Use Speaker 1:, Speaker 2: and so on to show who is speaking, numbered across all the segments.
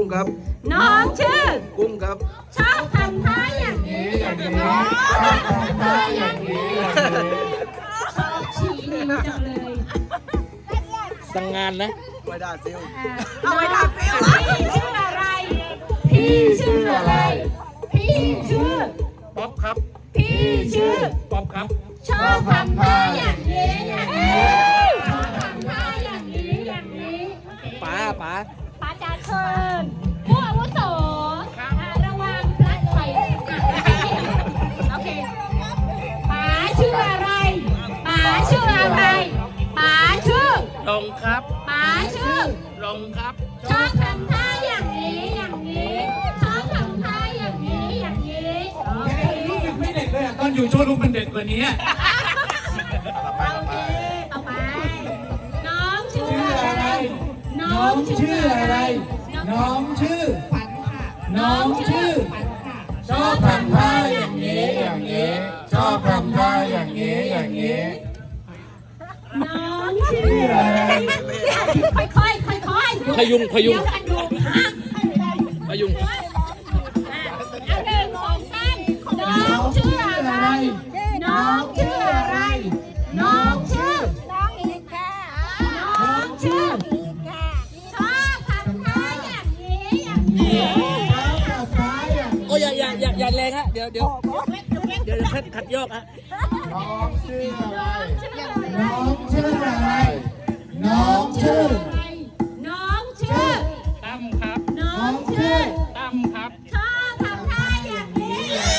Speaker 1: กุ้งครับ
Speaker 2: น้องชื่อ
Speaker 1: กุ้งครับ
Speaker 2: ชอบทำท่าอย่างนี้อย่างนี้ชอบทำท่าอย่างนี้ชอบชี้นิ้วจังเลย
Speaker 3: สั่งงานนะ
Speaker 1: ไว้ด่าซิล
Speaker 2: เอาไว้ด่าซิลพี่ชื่ออะไรพี่ชื่ออะไรพี่ชื่อ
Speaker 3: ป๊อปครับ
Speaker 2: พี่ชื่อ
Speaker 3: ป๊อปครับ
Speaker 2: ชอบทำท่าอย่างนี้อย่างนี้ชอบทำท่าอย่างนี้อย่างนี้
Speaker 3: ป๋า
Speaker 2: จะเชิญผู้อาวุโสระวังพลัดไฟโอเคป๋าชื่ออะไรป๋าชื่ออะไรป๋าชื่อ
Speaker 3: ลงครับ
Speaker 2: ป๋าชื่อ
Speaker 3: ลงครับ
Speaker 2: ชอบทำท่าอย่างนี้อย่างนี้ชอบทำท่าอย่างนี้อย่างนี้โอเค
Speaker 3: รู้สึกไม่เด็กเลยตอนอยู่โชว์รูมมันเด็กกว่านี้
Speaker 2: โอเคต่อไปน้องชื่ออะไรน้องชื่ออะไร
Speaker 3: น้องชื่อ
Speaker 2: ขวัญค่ะ
Speaker 3: น้องชื่อ
Speaker 2: ขวัญค่ะ
Speaker 3: ชอบทำท่าอย่างนี้อย่างนี้ชอบทำท่าอย่างนี้อย่างนี้
Speaker 2: น้องชื่ออะไรค่อย
Speaker 3: พยุง
Speaker 2: เดี๋ยวกันดู
Speaker 3: พยุง
Speaker 2: เอาหนึ่งสองสามน้องชื่ออะไรน้องชื่ออะไรน้องชื่อน้องอีกค่ะน้องชื่ออีกค่ะชอบทำท่าอย่างนี้อย่างนี้
Speaker 3: โอ้อย่าแรงฮะเดี๋ยวเพชรขัดยอกฮะ
Speaker 1: น้องชื่ออะไร
Speaker 3: น้องชื่ออะไรน้องชื่อ
Speaker 2: น้องชื่อ
Speaker 3: ตั้มครับ
Speaker 2: น้องชื่อ
Speaker 3: ตั้มครับ
Speaker 2: ชอบทำท่าอย่างนี้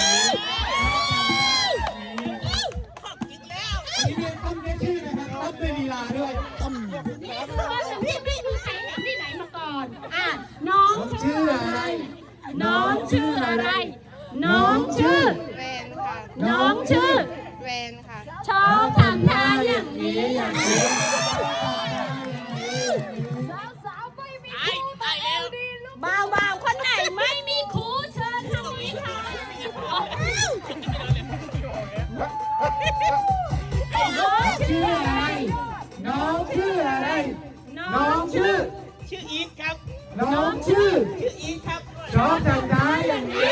Speaker 3: ต้มได้ชื่อนะครับต้มด้วยลีลาด้วยต้ม
Speaker 2: พี่ไม่มีใครเห็นที่ไหนมาก่อนน้องชื่ออะไรน้องชื่ออะไรน้องชื่อ
Speaker 4: แวนค่ะ
Speaker 2: น้องชื่อ
Speaker 4: แวนค่ะ
Speaker 2: ชอบทำท่าอย่างนี้อย่างนี้สาวๆไม่มีครูตายแล้วบ่าวๆคนไหนไม่มีครูเชิญทางนี้ค่ะน้องชื่ออะไร
Speaker 3: น้องชื่ออะไร
Speaker 2: น้องชื่อ
Speaker 3: อีทครับ
Speaker 2: น้องชื่อ
Speaker 3: อีทครับ
Speaker 2: ชอบทำท่าอย่างนี้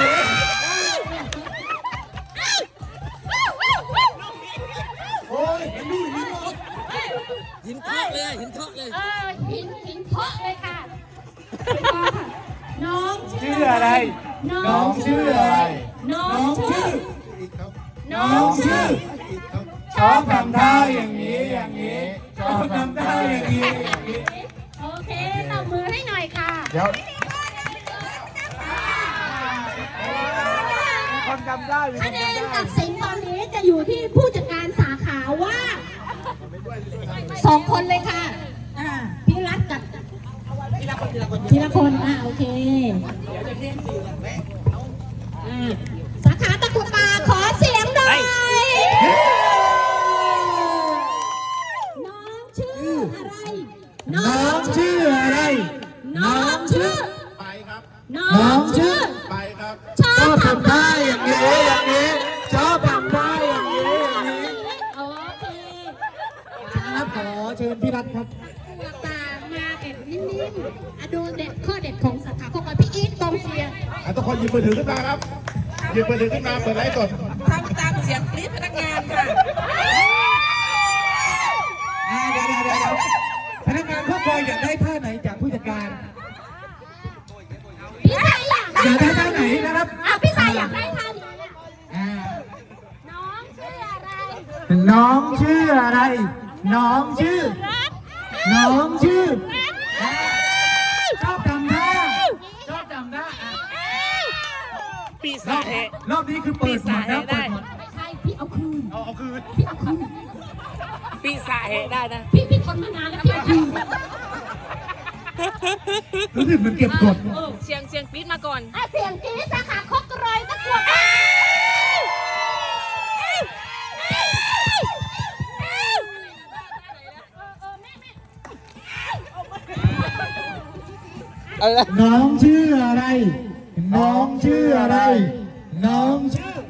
Speaker 3: โอ้ยหินเทาะเลยหินเทาะเลย
Speaker 2: หินเทาะเลยค่ะน้อง
Speaker 3: ชื่ออะไรน้องชื่ออะไร
Speaker 2: น้องชื่อ
Speaker 3: น้องชื่อชอบทำท่าอย่างนี้อย่างนี้ชอบทำท่าอย่างนี้อย่างนี้
Speaker 2: โอเคตบมือให้หน่อยค่ะ
Speaker 1: เดี๋ยวคนจำได้
Speaker 2: คะแนนตัดสินตอนนี้จะอยู่ที่ผู้จัดการสาขาว่า2 คนเลยค่ะพี่รัฐกับทีละคนโอเคสาขาตะกุดป่าขอเสียงหน่อยน้องชื่ออะไร
Speaker 3: น้องชื่ออะไร
Speaker 2: น้องชื่อ
Speaker 1: ไปครับ
Speaker 2: น้องชื่อ
Speaker 1: ไปครับ
Speaker 2: ชอบทำ
Speaker 3: ท่าอย่างนี้อย่างนี้ชอบทำท่าอย่างนี้อย่างนี้
Speaker 2: โอเค
Speaker 3: ครับขอเชิญพี่รัฐครับ
Speaker 2: ตามาแบบนิ่มๆดูเด็ดข้อเด็ดของสาขาของพี่อีทกองเชียร์
Speaker 1: ทุกคนหยิบมือถือขึ้นมาครับหยิบมือถือขึ้นมาเปิดไลฟ์สด
Speaker 4: ทำตามเสียงกรี๊ดพนักงานค่ะ
Speaker 3: เดี๋ยวพนักงานเขาคอยอยากได้ท่าไหนจากผู้จัดการ
Speaker 2: พี่ชายอยาก
Speaker 3: ได้ท่าไหนนะครับ
Speaker 2: พี่ชายอยากได้ท่านี้น้องชื่ออะไร
Speaker 3: น้องชื่ออะไรน้องชื่อน้องชื่อชอบจำท่าปีศาจรอบนี้คือเปิดหมดนะ
Speaker 2: ไม่ใช่พี่เอาคืนพี่เอาคืน
Speaker 3: ปีศาจได้นะ
Speaker 2: พี่ทนมานานแล้วพี่เอาคืน
Speaker 3: รู้สึกมันเก็บกด
Speaker 4: เสียงปี๊ดมาก่อน
Speaker 2: เสียงกรี๊ดสาขาคกรอยตะกรวด
Speaker 3: น้องชื่ออะไรน้องชื่ออะไรน้องชื่อ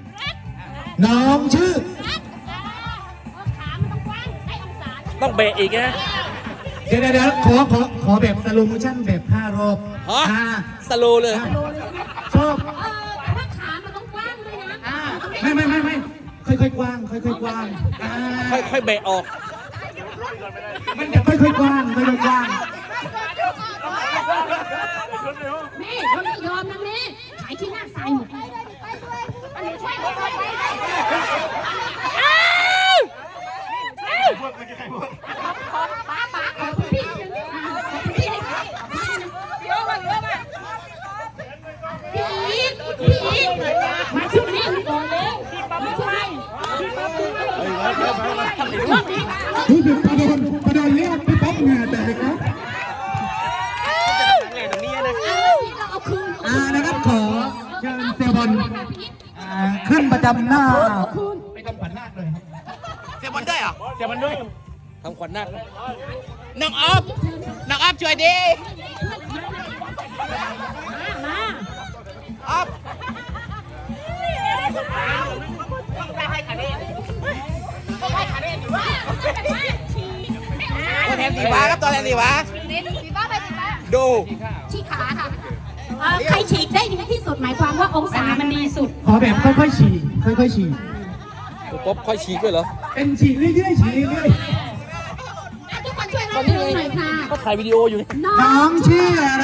Speaker 2: ขามันต้องกว้างให้องศา
Speaker 3: ต้องเบะอีกนะเดี๋ยวขอแบบสโลโมชั่นแบบ5 รอบ
Speaker 5: ฮะ
Speaker 3: อ่า
Speaker 5: สโลว์เลย
Speaker 3: ชอบ
Speaker 2: ถ้าขามันต้องกว้างด้วยนะ
Speaker 3: ไม่ค่อยๆกว้างค่อยๆกว้างอ่า
Speaker 5: ค่อยๆแบะออก
Speaker 3: มันจะค่อยๆกว้างค่อยๆกว้าง
Speaker 2: แม่เราไม่ยอมนะแม่ขายที่หน้าใส่หมดอันนี้ช่วยหน่อยป้าขอพี่หนึ่งพี่อีกมาช่วยแม่ก่อนเร็วมาช่วย
Speaker 3: รู้สึกประโดนเรียกพี่ป๊อปเหงื่อแตกครับ
Speaker 2: เราเอาคืน
Speaker 3: นะครับขอเชิญเซลบอลขึ้นประจำหน้าไปทำขวัญนาคเลยครับ
Speaker 5: เสียบอลด้วยเหรอเสียบอลด้วยทำขวัญนาคน้องออฟช่วยดี
Speaker 2: มา
Speaker 5: ออฟตัวแทนสีฟ้าครับตัวแทนสีฟ้าดู
Speaker 2: ชี้ขาค่ะใครฉีกได้ดีที่สุดหมายความว่าองศามันดีสุด
Speaker 3: ขอแบบค่อยๆฉี่ค่อยๆฉี่
Speaker 5: ป๊อปค่อยฉีกด้วยเหรอ
Speaker 3: เป็นฉี่เรื่อยๆฉี่เรื่อย
Speaker 2: ทุกคนช่วยรับมือหน่อยค่ะ
Speaker 5: ก็ถ่ายวิดีโออยู่
Speaker 3: ๆน้องชื่ออะไร